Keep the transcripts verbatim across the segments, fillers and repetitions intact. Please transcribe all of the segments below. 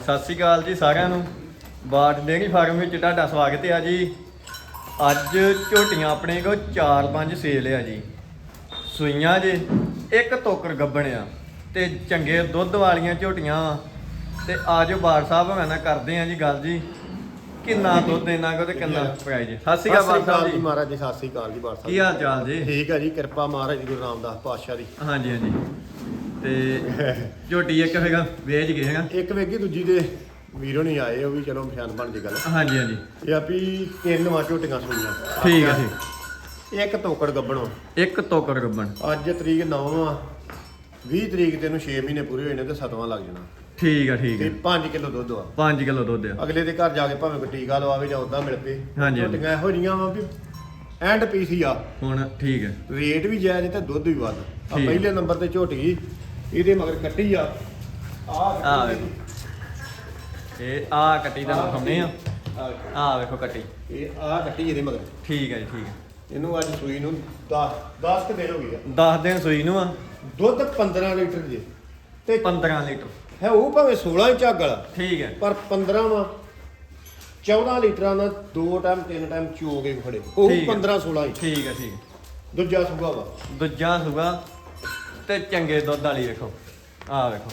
ਸਤਿ ਸ਼੍ਰੀ ਅਕਾਲ ਜੀ ਸਾਰਿਆਂ ਨੂੰ। ਬਾਟ ਡੇਅਰੀ ਫਾਰਮ ਵਿੱਚ ਤੁਹਾਡਾ ਸਵਾਗਤ ਹੈ ਜੀ। ਅੱਜ ਝੋਟੀਆਂ ਆਪਣੇ ਕੋਲ ਚਾਰ ਪੰਜ ਸੇਲ ਆ ਜੀ। ਸੂਈਆਂ ਜੇ ਇੱਕ ਟੋਕਰ ਗੱਬਣ ਆ ਤੇ ਚੰਗੇ ਦੁੱਧ ਵਾਲੀਆਂ ਝੋਟੀਆਂ। ਤੇ ਆਜੋ ਬਾੜ ਸਾਹਿਬ ਹੋਣਾ ਨਾਲ ਕਰਦੇ ਆ ਜੀ ਗੱਲ ਜੀ, ਕਿੰਨਾ ਦੁੱਧ ਇਹਨਾਂ ਕੋ ਤੇ ਕਿੰਨਾ ਪ੍ਰਾਈਜ਼। ਸਤਿ ਸ਼੍ਰੀ ਅਕਾਲ ਬਾੜ ਸਾਹਿਬ ਜੀ। ਮਹਾਰਾਜ ਜੀ ਸਤਿ ਸ਼੍ਰੀ ਅਕਾਲ ਜੀ। ਬਾੜ ਸਾਹਿਬ ਕੀ ਹਾਲ ਚਾਲ ਜੀ? ਠੀਕ ਹੈ ਜੀ, ਕਿਰਪਾ ਮਹਾਰਾਜ ਜੀ ਗੁਰੂ ਰਾਮਦਾਸ ਪਾਤਸ਼ਾਹ ਦੀ। ਹਾਂਜੀ ਹਾਂਜੀ। ਤੇ ਝੋਟੀ ਇੱਕ ਹੈਗਾ ਵੇਚ ਗਏ ਹੈਗਾ, ਇੱਕ ਵੇਗੀ ਦੂਜੀ ਦੇ ਵੀਰੋ ਨਹੀਂ ਆਏ, ਉਹ ਵੀ ਚਲੋ ਪਛਾਣ ਬਣ ਦੀ ਗੱਲ। ਹਾਂਜੀ ਹਾਂਜੀ। ਇਹ ਆ ਵੀ ਤਿੰਨ ਵਾਂ ਝੋਟੀਆਂ ਸੁਣੀਆਂ। ਠੀਕ ਹੈ ਠੀਕ। ਇੱਕ ਟੋਕੜ ਗੱਬਣੋ, ਇੱਕ ਟੋਕਰ ਗੱਬਣ। ਅੱਜ ਤਰੀਕ ਨੌਂ ਆ, ਵੀਹ ਤਰੀਕ ਤੈਨੂੰ ਛੇ ਮਹੀਨੇ ਪੂਰੇ ਹੋਏ ਨੇ ਤੇ ਸੱਤਵਾਂ ਲੱਗ ਜਾਣਾ। ਠੀਕ ਆ ਠੀਕ ਤੇ ਹੈ। ਪੰਜ ਕਿਲੋ ਦੁੱਧ ਆ। ਪੰਜ ਕਿਲੋ ਦੁੱਧ ਆ। ਅਗਲੇ ਦੇ ਘਰ ਜਾ ਕੇ ਭਾਵੇਂ ਕੋਈ ਟੀਕਾ ਲਵਾਵੇ ਜਾਂ ਉਦਾਂ ਮਿਲ ਪਏ। ਹਾਂਜੀ। ਝੋਟੀਆਂ ਇਹੋ ਜਿਹੀਆਂ ਵਾ ਵੀ ਐਂਡ ਪੀਸ ਹੀ ਆ। ਹੁਣ ਠੀਕ ਹੈ। ਰੇਟ ਵੀ ਜਾਇਜ਼ ਤੇ ਦੁੱਧ ਵੀ ਵੱਧ ਆ। ਠੀਕ। ਪਹਿਲੇ ਨੰਬਰ ਤੇ ਝੋਟੀ ਇਹਦੇ ਮਗਰ ਕੱਟੀ ਆ। ਆ ਵੇਖੋ, ਇਹ ਆ ਕੱਟੀ ਦਾ ਦਿਖਾਉਂਦੇ ਆ। ਆ ਵੇਖੋ ਕੱਟੀ, ਇਹ ਆ ਕੱਟੀ ਇਹਦੇ ਮਗਰ। ਠੀਕ ਹੈ ਜੀ ਠੀਕ ਹੈ। ਇਹਨੂੰ ਅੱਜ ਸੂਈ ਨੂੰ ਦਸ ਦਸ ਕੁ ਦਿਨ ਹੋ ਗਏ ਆ। ਦਸ ਦਿਨ ਸੂਈ ਨੂੰ ਆ। ਦੁੱਧ ਪੰਦਰਾਂ ਲੀਟਰ ਜੇ ਤੇ ਪੰਦਰਾਂ ਲੀਟਰ ਹੈ ਉਹ ਭਾਵੇਂ ਸੋਲਾਂ ਹੀ ਝੱਗ ਵਾਲਾ, ਠੀਕ ਹੈ। ਪਰ ਪੰਦਰਾਂ ਵਾ ਚੌਦਾਂ ਲੀਟਰਾਂ ਦਾ ਦੋ ਟਾਈਮ ਤਿੰਨ ਟਾਈਮ ਚੋ ਕੇ ਖੜੇ ਉਹ ਠੀਕ ਹੈ। ਪੰਦਰਾਂ ਸੋਲਾਂ ਹੀ। ਠੀਕ ਹੈ ਠੀਕ ਹੈ। ਦੂਜਾ ਸੂਗਾ ਵਾ। ਦੂਜਾ ਸੂਗਾ ਤੇ ਚੰਗੇ ਦੁੱਧ ਵਾਲੀ ਵੇਖੋ। ਆ ਵੇਖੋ,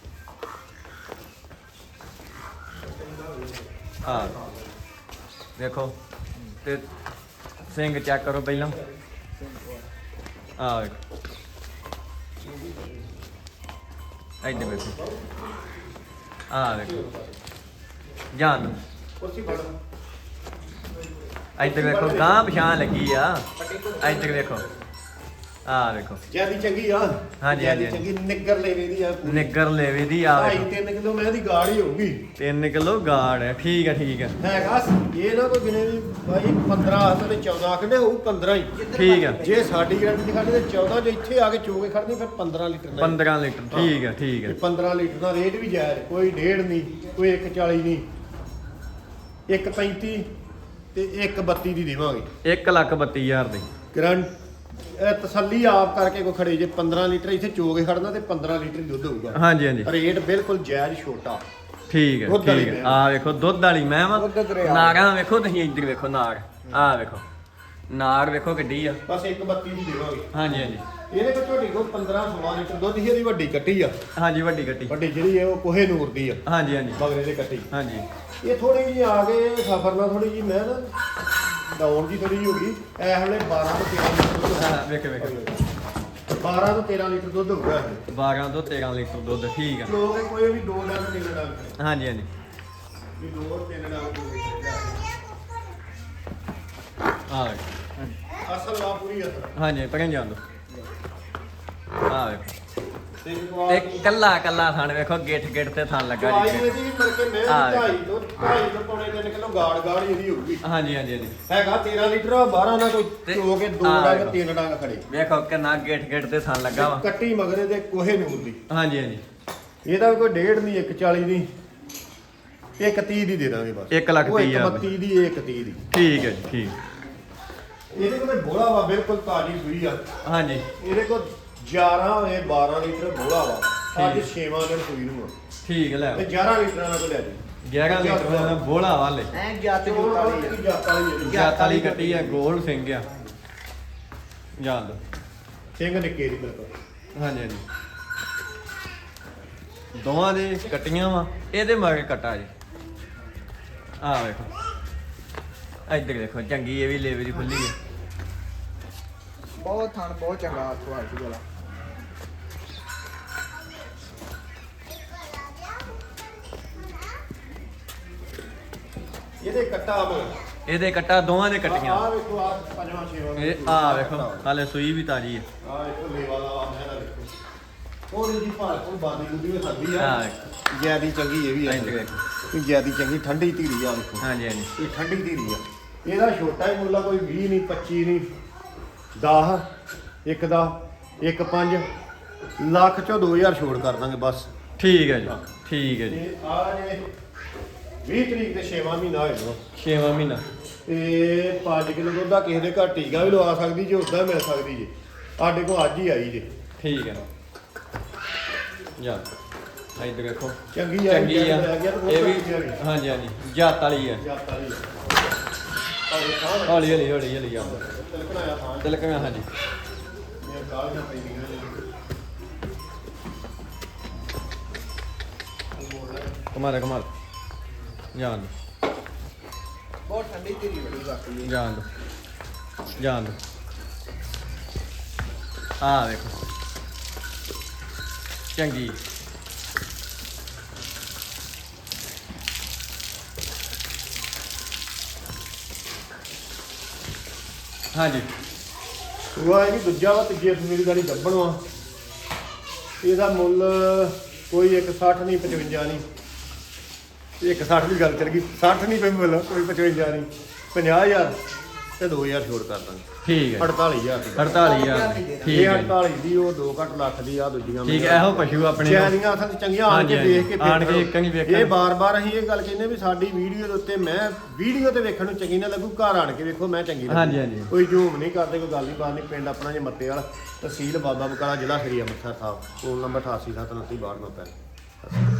ਆ ਵੇਖੋ ਤੇ ਸਿੰਘ ਚੈੱਕ ਕਰੋ ਪਹਿਲਾਂ। ਆ ਵੇਖੋ ਇੱਧਰ ਵੇਖੋ। ਆ ਵੇਖੋ ਜਾਨ ਕੁਰਸੀ ਫੜ। ਇੱਧਰ ਵੇਖੋ, ਗਾਂ ਪਛਾਣ ਲੱਗੀ ਆ। ਇੱਧਰ ਵੇਖੋ, ਆ ਵੇਖੋ ਜਿਆਦੀ ਚੰਗੀ ਆ। ਹਾਂਜੀ, ਜਿਆਦੀ ਹਾਂਜੀ। ਚੰਗੀ ਨਿੱਗਰ ਲੈਵੇ ਦੀ ਆ। ਨਿੱਗਰ ਲੇਵੇ ਦੀ ਆ ਢਾਈ ਵੇਖੋ। ਤਿੰਨ ਕਿਲੋ ਮੈਂ ਦੀ ਗਾੜ ਹੀ ਹੋਊਗੀ। ਤਿੰਨ ਕਿਲੋ ਗਾੜ ਹੈ। ਠੀਕ ਹੈ ਠੀਕ ਹੈ ਹੈਗਾ ਇਹ ਨਾ ਕੋਈ ਗਿਣੇ ਵੀ ਭਾਈ ਪੰਦਰਾਂ ਹੱਥ ਤੇ ਚੌਦਾਂ ਕੱਢੇ ਹੋਊ ਪੰਦਰਾਂ ਹੀ। ਠੀਕ ਹੈ। ਜੇ ਸਾਡੀ ਗਰੰਟੀ ਦਿਖਾਣੀ ਤੇ ਚੌਦਾਂ, ਜੇ ਇੱਥੇ ਆ ਕੇ ਚੋ ਕੇ ਖੜਨੀ ਫਿਰ ਪੰਦਰਾਂ ਲੀਟਰ ਨਾਲ। ਪੰਦਰਾਂ ਲੀਟਰ ਠੀਕ ਹੈ ਠੀਕ ਹੈ। ਇਹ ਪੰਦਰਾਂ ਲੀਟਰ ਦਾ ਰੇਟ ਵੀ ਜਾਇਜ਼, ਕੋਈ ਡੇਢ ਨਹੀਂ, ਕੋਈ ਇੱਕ ਚਾਲੀ ਨਹੀਂ, ਇੱਕ ਪੈਂਤੀ ਤੇ ਇੱਕ ਬੱਤੀ ਦੀ ਦੇਵਾਂਗੇ। ਇੱਕ ਲੱਖ ਬੱਤੀ ਹਜ਼ਾਰ ਦੀ ਗਰੰਟ ਇਹ ਤਸੱਲੀ ਆਪ ਕਰਕੇ ਕੋਈ ਖੜੇ। ਜੇ ਪੰਦਰਾਂ ਲੀਟਰ ਇੱਥੇ ਚੋ ਕੇ ਖੜਨਾ ਤੇ ਪੰਦਰਾਂ ਲੀਟਰ ਹੀ ਦੁੱਧ ਹੋਊਗਾ। ਹਾਂਜੀ ਹਾਂਜੀ ਰੇਟ ਬਿਲਕੁਲ ਜਾਇਜ਼ ਛੋਟਾ। ਠੀਕ ਹੈ ਦੁੱਧ ਵਾਲੀ ਠੀਕ ਹੈ। ਮੈਂ। ਆ ਵੇਖੋ ਦੁੱਧ ਵਾਲੀ ਮੈਂ ਵਾ। ਦੁੱਧ ਦਰਿਆ। ਨਾਗਾਂ ਵੇਖੋ ਤੁਸੀਂ, ਇੱਧਰ ਵੇਖੋ ਨਾਗ। ਆ ਵੇਖੋ ਨਾਗ ਵੇਖੋ ਕਿੱਡੀ ਆ। ਬਸ ਇੱਕ ਬੱਤੀ ਦੀ ਦੇਵਾਂਗੇ। ਹਾਂਜੀ ਹਾਂਜੀ ਇਹਦੇ ਕੋਲ ਝੋਟੀ ਕੋਲ ਪੰਦਰਾਂ ਸੋਲਾਂ ਲੀਟਰ ਦੁੱਧ ਹੀ। ਇਹਦੀ ਵੱਡੀ ਕੱਟੀ ਆ। ਹਾਂਜੀ ਵੱਡੀ ਕੱਟੀ। ਵੱਡੀ ਜਿਹੜੀ ਹੈ ਉਹ ਕੋਹੇ ਨੂਰ ਦੀ ਆ। ਹਾਂਜੀ ਹਾਂਜੀ ਬਗਲੇ ਦੇ ਕੱਟੀ। ਹਾਂਜੀ। ਇਹ ਥੋੜੀ ਜਿਹੀ ਆ ਗਏ ਸਫਰ ਨਾਲ, ਥੋੜੀ ਜਿਹੀ ਮੈਂ ਨਾ ਡਾਊਨ ਜੀ ਥੋੜੀ ਜਿਹੀ ਹੋ ਗਈ। ਇਹ ਵੇਲੇ ਬਾਰਾਂ ਤੋਂ ਤੇਰਾਂ ਲੀਟਰ ਦੁੱਧ ਹਾਂ, ਹੈ। ਵੇਖੋ ਵੇਖੋ ਬਾਰਾਂ ਤੋਂ ਤੇਰਾਂ ਲੀਟਰ ਦੁੱਧ ਹੋਊਗਾ ਇਹ। ਬਾਰਾਂ ਤੋਂ ਤੇਰਾਂ ਲੀਟਰ ਦੁੱਧ। ਠੀਕ ਆ। ਲੋਕ ਇਹ ਕੋਈ ਵੀ ਦੋ ਡੰਗ ਤਿੰਨ ਡੰਗ ਹਾਂਜੀ ਹਾਂਜੀ। ਵੀ ਦੋ ਤਿੰਨ ਡੰਗ ਹੋ ਗਏ। ਆ ਵੇਖੋ। ਅਸਲ ਵਾ ਪੂਰੀ ਅਸਲ। ਹਾਂਜੀ ਪਰਾਂ ਜਾਣ ਦੋ। ਆ ਵੇਖੋ ਤੇ ਤੇ ਕੱਲਾ ਕੱਲਾ ਥਣ ਵੇਖੋ, ਗਿੱਠ ਗਿੱਠ ਤੇ ਥਣ ਲੱਗਾ ਆਈ ਜੀ। ਇਹਦੀ ਵੀ ਕਰਕੇ ਮੈਂ ਹਾਂ। ਢਾਈ ਤੋਂ ਢਾਈ ਤੋਂ ਪੌਣੇ ਤਿੰਨ ਕਿਲੋ ਗਾੜ ਗਾੜ ਇਹਦੀ ਹੋਊਗੀ। ਹਾਂਜੀ ਹਾਂਜੀ ਹਾਂਜੀ। ਹੈਗਾ ਤੇਰਾਂ ਲੀਟਰ ਆ। ਬਾਰਾਂ ਨਾਲ ਕੋਈ ਤੇ ਚੋ ਕੇ ਦੋ ਆਹ ਡੰਗ ਵੇਖੋ। ਤਿੰਨ ਡੰਗ ਖੜੇ। ਵੇਖੋ ਕਿੰਨਾ ਗਿੱਠ ਗਿੱਠ ਤੇ ਥਣ ਲੱਗਾ ਵਾ। ਕੱਟੀ ਮਗਰੇ ਦੇ ਕੋਹੇ ਨੂਰ ਦੀ। ਹਾਂਜੀ ਹਾਂਜੀ। ਇਹਦਾ ਵੀ ਕੋਈ ਡੇਢ ਨਹੀਂ, ਇੱਕ ਚਾਲੀ ਦੀ, ਇੱਕ ਤੀਹ ਦੀ ਦੇ ਦਾਂਗੇ ਬਸ। ਇੱਕ ਲੱਖ ਉਹ ਤੀਹ ਇੱਕ ਹਜ਼ਾਰ ਬੱਤੀ ਦੀ, ਇਹ ਇੱਕ ਤੀਹ ਦੀ। ਠੀਕ ਹੈ ਜੀ ਠੀਕ। ਇਹਦੇ ਕੋਲ ਬੋਲਾ ਵਾ, ਬਿਲਕੁਲ ਤਾਜ਼ੀ ਸੂਈ ਆ। ਹਾਂਜੀ ਇਹਦੇ ਕੋਲ ਗਿਆਰਾਂ ਹੋਏ ਬਾਰਾਂ ਲੀਟਰ ਬੋਲਾ ਵਾ। ਅੱਜ ਠੀਕ। ਛੇਵਾਂ ਦਿਨ ਸੂਈ ਨੂੰ ਆ। ਠੀਕ ਹੈ। ਲੈ ਤੇ ਗਿਆਰਾਂ ਲੀਟਰਾਂ ਨਾਲ ਕੋ ਲੈ ਜੀ। ਗਿਆਰਾਂ ਲੀਟਰ ਦਾ ਬੋਲਾ ਵਾਲੇ ਐ ਜਾਤ ਜੂਤ ਵਾਲੀ ਆ। ਜਾਤ ਵਾਲੀ ਜਾਤ ਵਾਲੀ ਕੱਟੀ ਆ, ਗੋਲ ਸਿੰਘ ਆ। ਜਾਣ ਦੋ। ਸਿੰਘ ਨਿੱਕੇ ਦੀ ਬਿਲਕੁਲ। ਹਾਂਜੀ ਹਾਂਜੀ। ਦੋਵਾਂ ਦੇ ਕੱਟੀਆਂ ਵਾ। ਇਹਦੇ ਮਗਰ ਕੱਟਾ ਜੀ। ਆ ਵੇਖੋ ਇੱਧਰ ਦੇਖੋ, ਚੰਗੀ ਇਹ ਵੀ ਲੇਵੇ ਦੀ ਖੁੱਲੀ ਹੈ। ਬਹੁਤ ਥਣ ਬਹੁਤ ਚੰਗਾ ਕੁਆਲਿਟੀ ਵਾਲਾ। ਇਹਦੇ ਕੱਟਾ ਆ ਇਹਦੇ ਕੱਟਾ ਦੋਵਾਂ ਦੇ ਕੱਟੀਆਂ। ਆ ਵੇਖੋ ਆ ਪੰਜਵਾਂ ਛੇਵਾਂ ਇਹ ਆ ਵੇਖੋ ਹਾਲੇ ਸੂਈ ਵੀ ਤਾਜੀ ਹੈ। ਆ ਵੇਖੋ ਲੇਵਾ ਦਾ ਆ ਮੈਂ ਨਾ ਵੇਖੋ ਥੋੜੀ ਜੀ ਭਾਲ ਕੋਈ ਬਾਦੀ ਬੁੱਧੀ ਵੀ ਖਾਂਦੀ ਆ ਆ। ਵੇਖੋ ਜਿਆਦੀ ਚੰਗੀ ਇਹ ਵੀ ਆ। ਇੱਧਰ ਵੇਖੋ। ਇਹ ਜਿਆਦੀ ਚੰਗੀ ਠੰਡੀ ਧੀਰੀ ਆ ਵੇਖੋ। ਹਾਂਜੀ ਹਾਂਜੀ। ਇਹ ਠੰਡੀ ਧੀਰੀ ਆ। ਇਹਦਾ ਛੋਟਾ ਹੀ ਮੁੱਲਾ ਕੋਈ ਵੀਹ ਨਹੀਂ, ਪੱਚੀ ਨਹੀਂ, ਦਸ, ਇੱਕ ਦਾ ਇੱਕ ਪੰਜ ਲੱਖ ਚੋਂ ਦੋ ਹਜ਼ਾਰ ਛੋੜ ਕਰ ਦਾਂਗੇ ਬਸ। ਠੀਕ ਹੈ ਜੀ ਠੀਕ ਹੈ ਜੀ। ਤੇ ਆ ਜੇ ਵੀਹ ਤਰੀਕ ਤੇ ਛੇਵਾਂ ਮਹੀਨਾ ਹੋਇਆ ਵਾ। ਛੇਵਾਂ ਮਹੀਨਾ। ਤੇ ਪੰਜ ਕਿਲੋ ਦੁੱਧ ਦਾ ਕਿਸੇ ਦੇ ਘਰ ਟੀਕਾ ਵੀ ਲਵਾ ਸਕਦੀ ਜੇ, ਉਦਾਂ ਮਿਲ ਸਕਦੀ ਜੇ। ਸਾਡੇ ਕੋਲ ਅੱਜ ਹੀ ਆਈ ਜੇ। ਠੀਕ ਹੈ। ਜਾ ਇੱਧਰ ਦੇਖੋ ਚੰਗੀ ਆ ਚੰਗੀ ਆ ਲੈ ਗਿਆ ਤੇ ਇਹ ਵੀ ਹੋਰ ਚੰਗੀ ਆ। ਹਾਂਜੀ ਹਾਂਜੀ ਜਾਤ ਵਾਲੀ ਆ ਜਾਤ ਵਾਲੀ ਆ। ਔਰ ਇਹ ਖਾਣ ਹੌਲੀ ਹੌਲੀ ਹੌਲੀ ਹੌਲੀ ਆ ਤਿਲਕਣਾ ਆ ਥਾਂ ਤਿਲਕ ਮੈਂ ਹਾਂਜੀ ਇਹ ਕਾਲੀਆਂ ਪੈਂਦੀਆਂ ਨੇ। ਕਮਾਲ ਕਮਾਲ ਜਾਣ ਦੋ ਬਹੁਤ ਠੰਡੀ ਧੀਰੀ ਬੜੀ ਬਾਕੀ ਜਾਣ ਦੋ ਜਾਣ ਦੋ ਆ ਵੇਖੋ ਚੰਗੀ ਹਾਂਜੀ ਉਹ ਇਹ ਵੀ ਦੂਜਾ ਵਾ ਤੀਜੇ ਮੇਰੀ ਗਾੜੀ ਗੱਬਣ ਵਾ ਇਹਦਾ ਮੁੱਲ ਕੋਈ ਇੱਕ ਸੱਠ ਨਹੀਂ ਪਚਵੰਜਾ ਨਹੀਂ ਇੱਕ ਸੱਠ ਦੀ ਗੱਲ ਚੱਲ ਗਈ ਸੱਠ ਨਹੀਂ ਪਈ ਮੁੱਲ ਕੋਈ ਪਚਵੰਜਾ ਨਹੀਂ ਪੰਜਾਹ ਹਜ਼ਾਰ ਤੇ ਦੋ ਹਜ਼ਾਰ ਛੋੜ ਕਰ ਦਾਂਗੇ ਠੀਕ ਹੈ ਅੜਤਾਲੀ ਹਜ਼ਾਰ ਦੀ। ਅੜਤਾਲੀ ਹਜ਼ਾਰ ਠੀਕ ਇਹ ਹੈ ਜੀ। ਅੜਤਾਲੀ ਦੀ ਉਹ ਦੋ ਘੱਟ ਲੱਖ ਦੀ ਆ ਦੂਜੀਆਂ ਠੀਕ ਹੈ ਇਹੋ ਪਸ਼ੂ ਆਪਣੇ ਕੋਲ। ਸ਼ਹਿਰੀਆਂ ਅਸਲ 'ਚ ਚੰਗੀਆਂ ਆਣ ਕੇ ਹਾਂਜੀ, ਵੇਖ ਕੇ ਆਣ ਕੇ ਫਿਰ ਇੱਕ ਨਹੀਂ ਵੇਖਣ। ਇਹ ਬਾਰ-ਬਾਰ ਅਸੀਂ ਇਹ ਗੱਲ ਕਹਿੰਦੇ ਵੀ ਸਾਡੀ ਵੀਡੀਓ ਦੇ ਉੱਤੇ ਮੈਂ ਵੀਡੀਓ ਤੇ ਵੇਖਣ ਨੂੰ ਚੰਗੀ ਨਾ ਲੱਗੂ ਘਰ ਆਣ ਕੇ ਵੇਖੋ ਮੈਂ ਚੰਗੀ ਲੱਗੂ ਹਾਂਜੀ, ਹਾਂਜੀ। ਕੋਈ ਝੂਮ ਨਹੀਂ ਕਰਦੇ ਕੋਈ ਗੱਲ ਨਹੀਂ ਬਾਤ ਨਹੀਂ ਪਿੰਡ ਆਪਣਾ ਜੇ ਮੱਤੇ ਵਾਲਾ ਤਹਿਸੀਲ ਬਾਬਾ ਬਕਾਲਾ ਜ਼ਿਲ੍ਹਾ ਸ੍ਰੀ ਅੰਮ੍ਰਿਤਸਰ ਸਾਹਿਬ ਫੋਨ ਨੰਬਰ ਅਠਾਸੀ ਸੱਤ ਉਨੱਤੀ ਬਾਹਠ ਨੌਂ ਪੈਂਹਠ